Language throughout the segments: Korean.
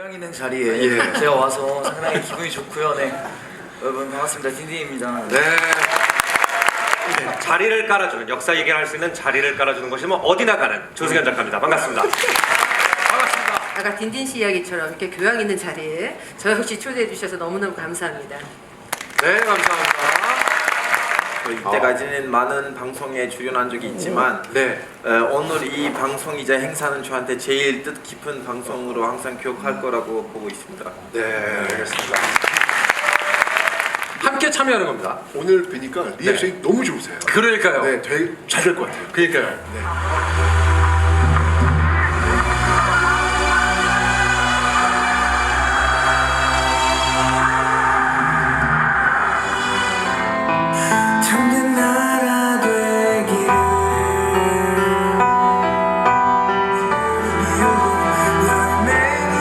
교양 있는 자리에 제가 와서 상당히 기분이 좋고요. 네, 여러분 반갑습니다. 딘딘입니다. 네. 자리를 깔아주는, 역사 얘기를 할 수 있는 자리를 깔아주는 것이 뭐 어디나 가는 조승현 작가입니다. 반갑습니다. 반갑습니다. 아까 딘딘 씨 이야기처럼 이렇게 교양 있는 자리에 저 역시 초대해 주셔서 너무너무 감사합니다. 네, 감사합니다. 이때까지는 많은 방송에 출연한 적이 있지만 네. 오늘 이 방송이자 행사는 저한테 제일 뜻깊은 방송으로 항상 기억할 거라고 보고 있습니다. 네, 알겠습니다. 함께 참여하는 겁니다. 오늘 뵈니까 리액션이 너무 좋으세요. 그러니까요. 네, 되게 잘 될 것 같아요. 그러니까요. 참된 나라 되기를 열매는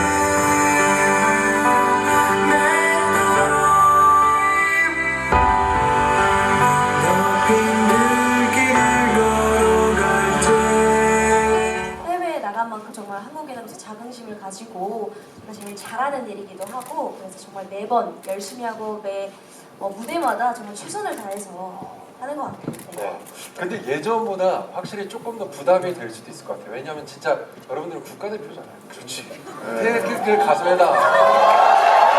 높인 들길을 걸어갈 때 해외에 나간 만큼 정말 한국에 대해서 자긍심을 가지고 정말 제일 잘하는 일이기도 하고, 그래서 정말 매번 열심히 하고 매 무대마다 정말 최선을 다해서 하는 것 같아요. 네. 네. 근데 예전보다 확실히 조금 더 부담이 될 수도 있을 것 같아요. 왜냐하면 진짜 여러분들은 국가대표잖아요. 그렇지. 태극기를 가슴에다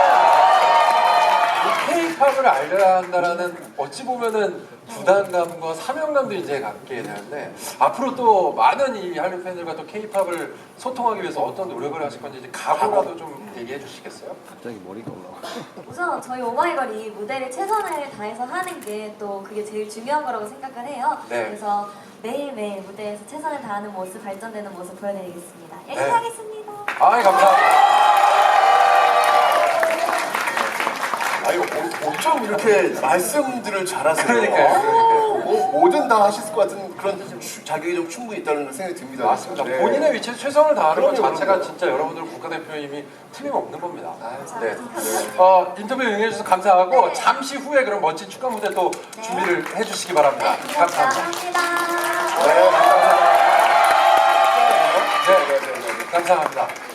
K-팝을 알려야 한다라는 어찌 보면은 부담감과 사명감도 이제 갖게 되는데, 앞으로 또 많은 이 한류 팬들과 또 K-팝을 소통하기 위해서 어떤 노력을 하실 건지 이제 각오라도 좀 얘기해 주시겠어요? 우선 저희 오마이걸이 무대를 최선을 다해서 하는 게 또 그게 제일 중요한 거라고 생각을 해요. 네. 그래서 매일매일 무대에서 최선을 다하는 모습, 발전되는 모습 보여드리겠습니다. 열심히 네. 하겠습니다. 아이, 감사합니다. 아유, 어쩜 이렇게 말씀들을 잘하세요. 그러니까요. 뭐든 다 하실 것 같은 그런 자격이 좀 충분히 있다는 생각이 듭니다. 맞습니다. 네. 본인의 위치에 최선을 다하는 것 그럼요, 자체가 그럼요. 진짜 여러분들 국가대표님이 틀림없는 겁니다. 네. 감사합니다. 인터뷰 응해주셔서 감사하고 잠시 후에 그럼 멋진 축하 무대 또 준비를 해주시기 바랍니다. 감사합니다. 감사합니다. 네, 감사합니다. 네, 감사합니다.